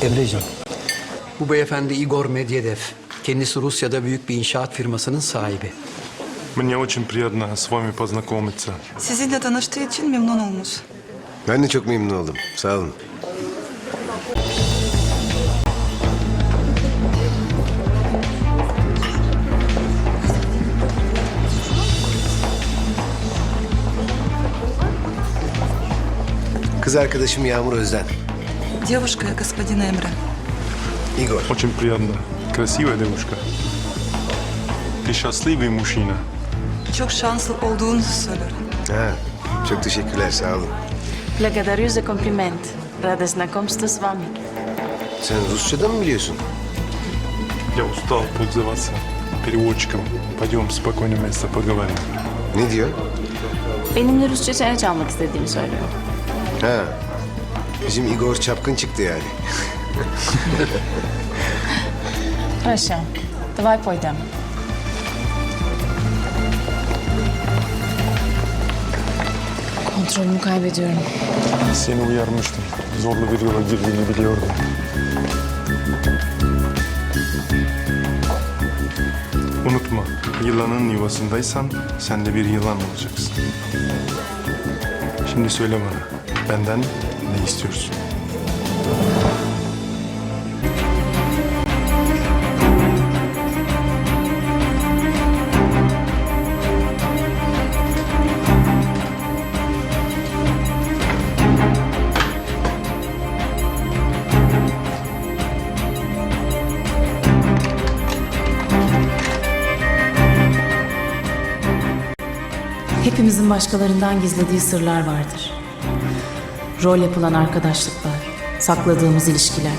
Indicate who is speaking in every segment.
Speaker 1: Emreciğim, bu beyefendi Igor Medvedev. Kendisi Rusya'da büyük bir inşaat firmasının sahibi.
Speaker 2: Мне очень приятно с вами познакомиться.
Speaker 3: Sizinle tanıştığı için memnun olmuş.
Speaker 4: Ben de çok memnun oldum. Sağ olun. Kız arkadaşım Yağmur Özden.
Speaker 3: Девушка, господин Эмре.
Speaker 4: Igor.
Speaker 2: Очень приятно. Красивая девушка. Ты счастливый мужчина.
Speaker 3: Çok şanslı olduğunuzu söyler.
Speaker 4: Ha, çok teşekkürler. Sağ olun.
Speaker 5: Благодарю за комплимент. Рада знакомству с вами.
Speaker 4: Sen Rusça'da mı biliyorsun?
Speaker 2: Я устал пользоваться переводчиком. Пойдем в спокойное место поговорим.
Speaker 4: Ne diyor?
Speaker 5: Benimle Rusça çene çalmak istediğimi söylüyor.
Speaker 4: Ha, bizim Igor çapkın çıktı yani.
Speaker 5: Хорошо. Давай пойдем. Kontrolümü kaybediyorum.
Speaker 2: Seni uyarmıştım. Zorlu bir yola girdiğini biliyordum. Unutma, yılanın yuvasındaysan sen de bir yılan olacaksın. Şimdi söyle bana, benden ne istiyorsun?
Speaker 5: Hepimizin başkalarından gizlediği sırlar vardır. Rol yapılan arkadaşlıklar, sakladığımız ilişkiler.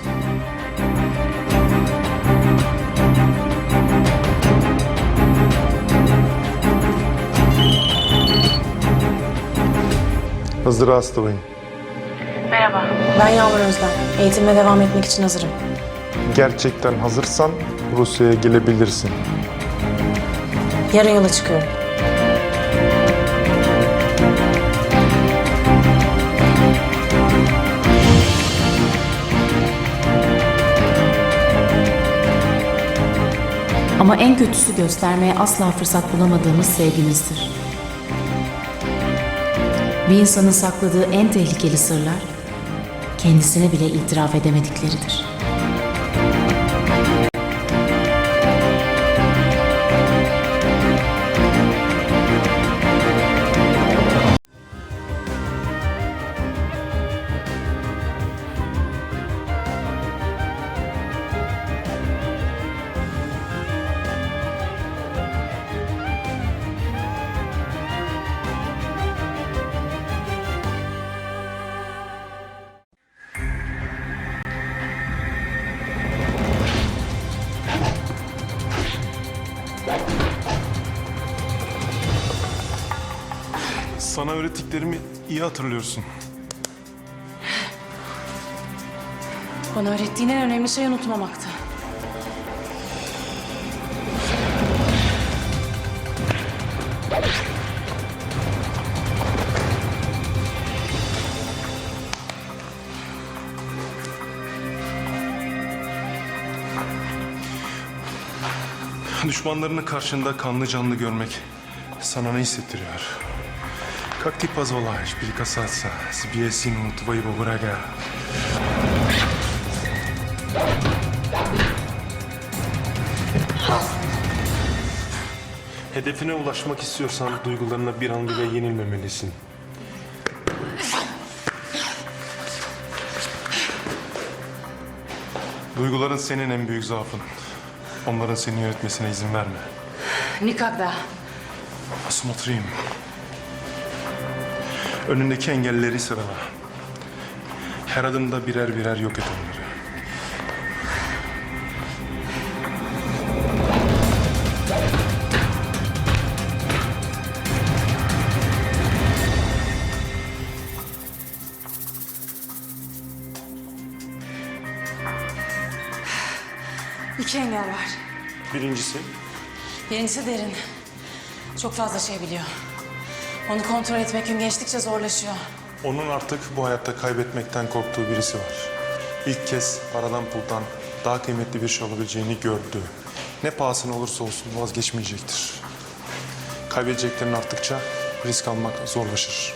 Speaker 2: Здравствуй.
Speaker 6: Merhaba, ben Yağmur Özden. Eğitimime devam etmek için hazırım.
Speaker 2: Gerçekten hazırsan Rusya'ya gelebilirsin.
Speaker 6: Yarın yola çıkıyorum.
Speaker 5: Ama en kötüsü göstermeye asla fırsat bulamadığımız sevgimizdir. Bir insanın sakladığı en tehlikeli sırlar, kendisine bile itiraf edemedikleridir.
Speaker 2: Sana öğrettiklerimi iyi hatırlıyorsun.
Speaker 6: Bana öğrettiğin en önemli şey unutmamaktı.
Speaker 2: Düşmanlarını karşında kanlı canlı görmek sana ne hissettiriyor? Как ты позволяешь прикасаться себе сыну твоего врага? Hedefine ulaşmak istiyorsan duygularına bir an bile yenilmemelisin. Duyguların senin en büyük zaafın. Onların seni yönetmesine izin verme.
Speaker 6: Никогда.
Speaker 2: Смотрим. Önündeki engelleri sırala. Her adımda birer birer yok et onları.
Speaker 6: İki engel var.
Speaker 2: Birincisi,
Speaker 6: Birincisi derin. Çok fazla şey biliyor. Onu kontrol etmek gün geçtikçe zorlaşıyor.
Speaker 2: onun artık bu hayatta kaybetmekten korktuğu birisi var. İlk kez paradan puldan daha kıymetli bir şey olabileceğini gördü. Ne pahasına olursa olsun vazgeçmeyecektir. Kaybedeceklerin arttıkça risk almak zorlaşır.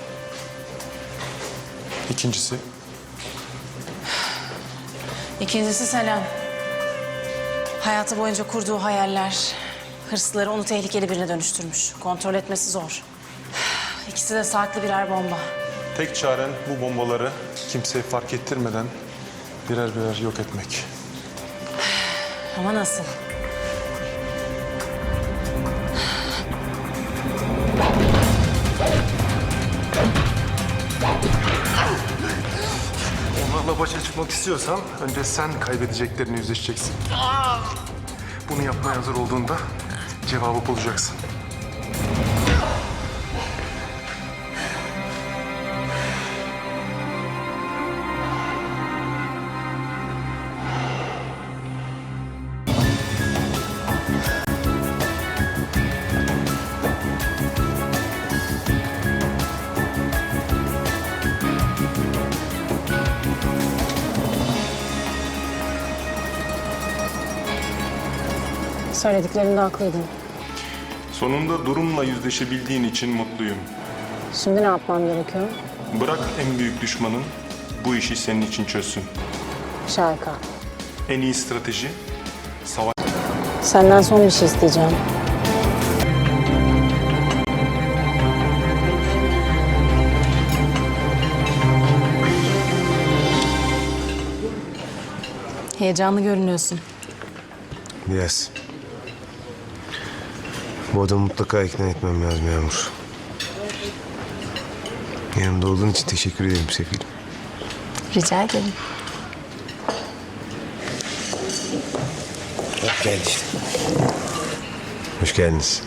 Speaker 6: İkincisi Selen. Hayatı boyunca kurduğu hayaller, hırsları onu tehlikeli birine dönüştürmüş. Kontrol etmesi zor. İkisi de saklı birer bomba.
Speaker 2: Tek çaren bu bombaları kimseye fark ettirmeden birer birer yok etmek.
Speaker 6: Ama nasıl?
Speaker 2: Onlarla başa çıkmak istiyorsan önce sen kaybedeceklerini yüzleşeceksin. Bunu yapmaya hazır olduğunda cevabı bulacaksın.
Speaker 6: Söylediklerinde haklıydın.
Speaker 2: Sonunda durumla yüzleşebildiğin için mutluyum.
Speaker 6: Şimdi ne yapmam gerekiyor?
Speaker 2: Bırak en büyük düşmanın bu işi senin için çözsün.
Speaker 6: Şarka.
Speaker 2: En iyi strateji savaş.
Speaker 6: Senden son bir şey isteyeceğim. Heyecanlı görünüyorsun.
Speaker 4: Biraz. Bu adamı mutlaka ikna etmem lazım Yağmur. Yanımda olduğun için teşekkür ederim Sefilim.
Speaker 6: Rica ederim.
Speaker 4: Geldi işte. Hoş geldiniz.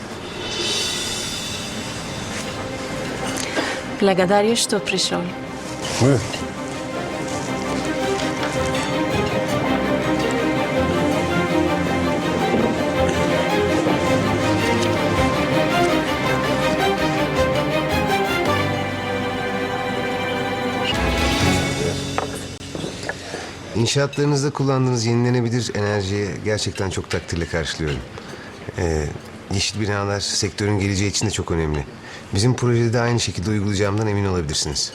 Speaker 6: Благодарю, что пришел.
Speaker 4: Buyurun. İnşaatlarınızda kullandığınız yenilenebilir enerjiye gerçekten çok takdirle karşılıyorum. Yeşil binalar sektörün geleceği için de çok önemli. Bizim projede de aynı şekilde uygulayacağımdan emin olabilirsiniz.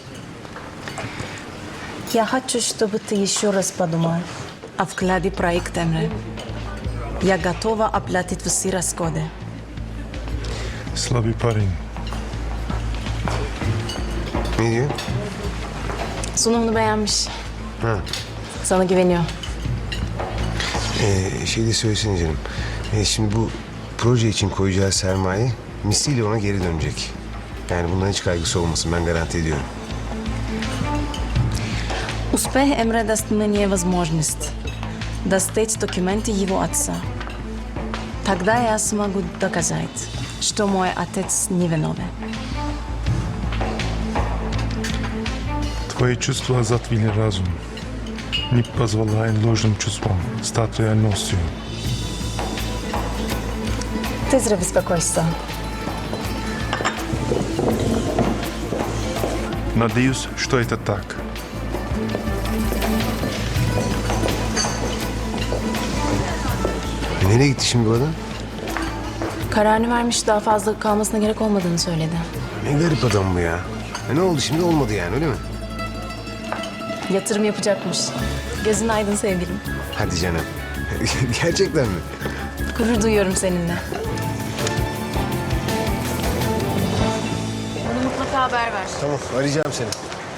Speaker 3: Я хочу, чтобы ты еще раз подумал о вкладе проект Эмре. Я готова оплатить все расходы.
Speaker 2: Slabi parin.
Speaker 4: Ne diyor?
Speaker 6: Sunumunu beğenmiş.
Speaker 4: Ha.
Speaker 6: Sana güveniyor.
Speaker 4: Şey de söylesene canım. Şimdi bu proje için koyacağı sermaye misliyle ona geri dönecek. Yani bundan hiç kaygısı olmasın, ben garanti ediyorum.
Speaker 3: Успех Эмре даст мне возможность достать документы его отца. Тогда я смогу доказать, что мой отец невиновен.
Speaker 2: Твои чувства затмили разум. Не позволяя ложным чувствам стать реальностью.
Speaker 6: Ты зря беспокойся.
Speaker 2: Надеюсь, что это так.
Speaker 4: Nereye gitti şimdi bu adam?
Speaker 6: Kararını vermiş, daha fazla kalmasına gerek olmadığını söyledi.
Speaker 4: Ne garip adam bu ya. Ne oldu şimdi, olmadı yani, öyle mi?
Speaker 6: Yatırım yapacakmış. Gözün aydın sevgilim.
Speaker 4: Hadi canım. Gerçekten mi?
Speaker 6: Gurur duyuyorum seninle. Bana mutlaka haber ver.
Speaker 4: Tamam, arayacağım seni.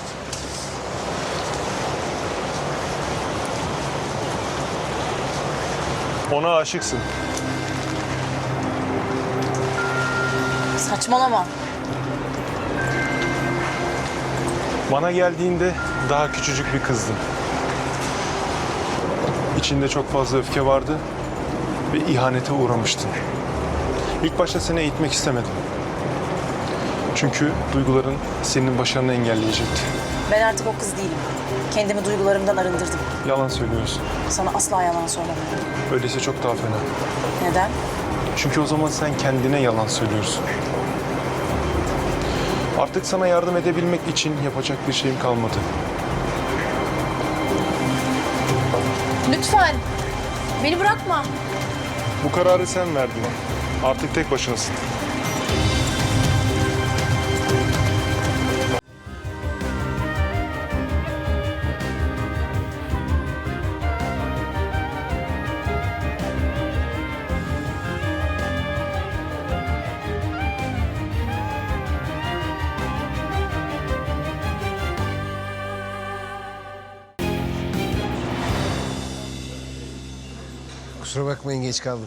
Speaker 2: Ona aşıksın.
Speaker 6: Saçmalama.
Speaker 2: Bana geldiğinde daha küçücük bir kızdın. İçinde çok fazla öfke vardı ve ihanete uğramıştın. İlk başta seni eğitmek istemedim. Çünkü duyguların senin başarını engelleyecekti.
Speaker 6: Ben artık o kız değilim. Kendimi duygularımdan arındırdım.
Speaker 2: Yalan söylüyorsun.
Speaker 6: Sana asla yalan söylemem.
Speaker 2: Öyleyse çok daha fena.
Speaker 6: Neden?
Speaker 2: Çünkü o zaman sen kendine yalan söylüyorsun. Artık sana yardım edebilmek için yapacak bir şeyim kalmadı.
Speaker 3: Lütfen. Beni bırakma.
Speaker 2: Bu kararı sen verdin. Artık tek başınasın.
Speaker 4: Kusura bakmayın geç kaldım.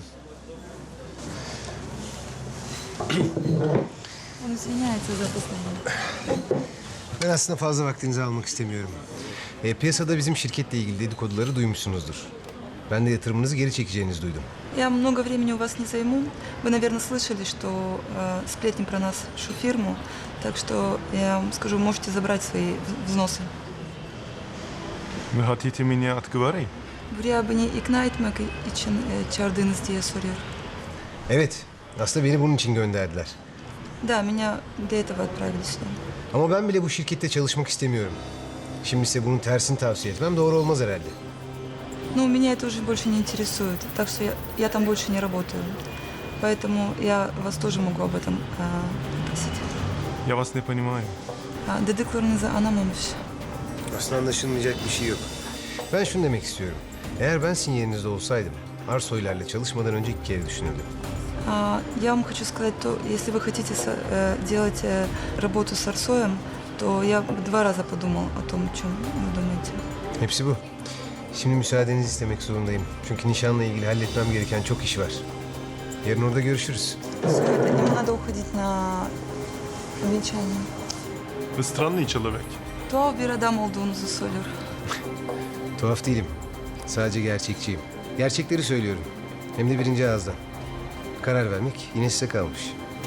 Speaker 7: Он извиняется за опоздание.
Speaker 4: Ben aslında fazla vaktinizi almak istemiyorum. Piyasada bizim şirketle ilgili dedikoduları duymuşsunuzdur. Ben de yatırımınızı geri çekeceğinizi duydum.
Speaker 7: Я много времени у вас не займу. Вы, наверное, слышали, что сплетни про нас всю фирму. Так что я вам скажу, можете забрать свои взносы.
Speaker 2: Mühatitimi niye atkı var ya?
Speaker 7: Buraya beni ikna etmek için çağırdınız diye soruyor.
Speaker 4: Evet, aslında beni bunun için gönderdiler.
Speaker 7: Да, меня для этого отправили сюда.
Speaker 4: Ama ben bile bu şirkette çalışmak istemiyorum. Şimdi size bunun tersini tavsiye etmem doğru olmaz herhalde.
Speaker 7: Но меня это уже больше не интересует. Так что я там больше не работаю. Поэтому я вас тоже могу об этом попросить.
Speaker 2: Я вас не понимаю.
Speaker 7: Dediklerinizi anlamamış.
Speaker 4: Aslında anlaşılmayacak bir şey yok. Ben şunu demek istiyorum. Eğer ben sizin yerinizde olsaydım, Arsoylarla çalışmadan önce 2 kere düşünürdüm.
Speaker 7: Я вам хочу сказать, то если вы хотите делать работу с Арсоем, то я бы 2 раза подумал о том, о чем вы думаете.
Speaker 4: Hepsi bu. Şimdi müsaadenizi istemek zorundayım. Çünkü nişanla ilgili halletmem gereken çok iş var. Yarın orada görüşürüz.
Speaker 7: Сегодня мне надо уходить на венчание.
Speaker 2: Вы странный человек.
Speaker 7: Tuhaf bir adam olduğunuzu söylüyor.
Speaker 4: Tuhaf değilim. Sadece gerçekçiyim. Gerçekleri söylüyorum. Hem de birinci ağızdan. Karar vermek yine size kalmış.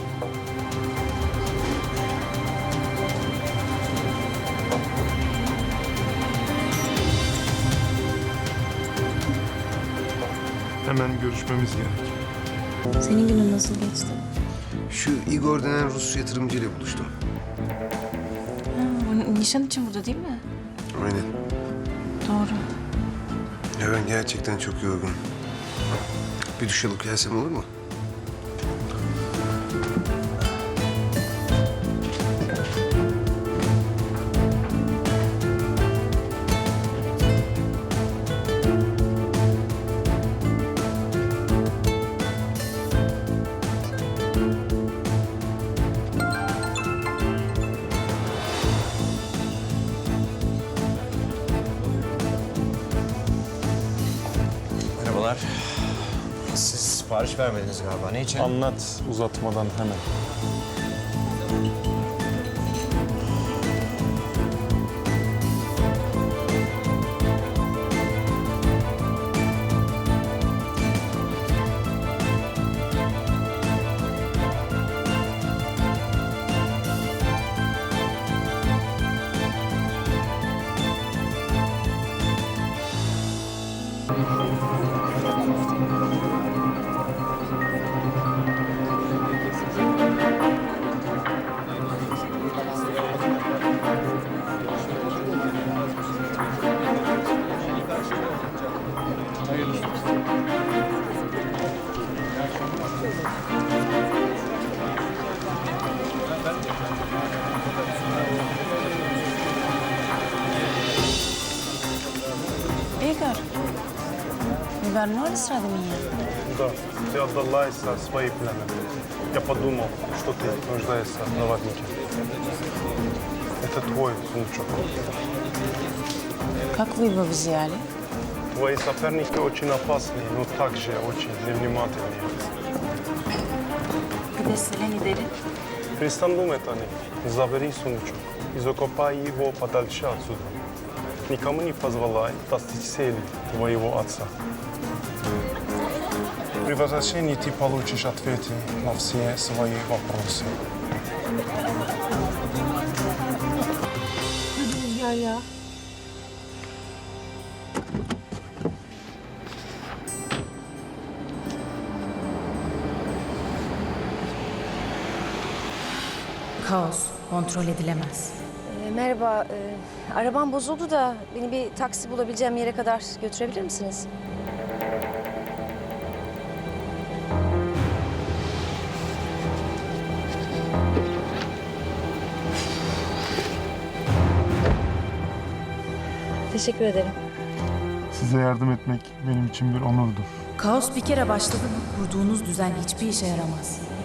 Speaker 2: Hemen görüşmemiz gerek.
Speaker 3: Senin günün nasıl geçti?
Speaker 4: Şu Igor denen Rus yatırımcıyla buluştum.
Speaker 3: Bu nişan için burada değil mi?
Speaker 4: Aynen.
Speaker 3: Doğru.
Speaker 4: Ya ben gerçekten çok yorgunum. Bir duş alıp gelsem olur mu?
Speaker 8: Merhabalar. Siz sipariş vermediniz galiba. Ne için?
Speaker 2: Anlat uzatmadan hemen.
Speaker 3: Игорь, вернули с Радомия?
Speaker 2: Да, ты отдала Иса свои планы. Я подумал, что ты нуждаешься в наводнике. Это твой сундучок.
Speaker 3: Как вы его взяли?
Speaker 2: Твои соперники очень опасные, но также очень невнимательные.
Speaker 3: Где селени дели?
Speaker 2: Перестань думать о них. Забери сундучок и закопай его подальше отсюда. Никому не позволяй достичь цели твоего отца. При возвращении ты получишь ответы на все свои вопросы.
Speaker 5: Kaos kontrol edilemez.
Speaker 9: Merhaba. Arabam bozuldu da beni bir taksi bulabileceğim yere kadar götürebilir misiniz? Teşekkür ederim.
Speaker 10: Size yardım etmek benim için bir onurdur.
Speaker 5: Kaos bir kere başladı mı kurduğunuz düzen hiçbir işe yaramaz.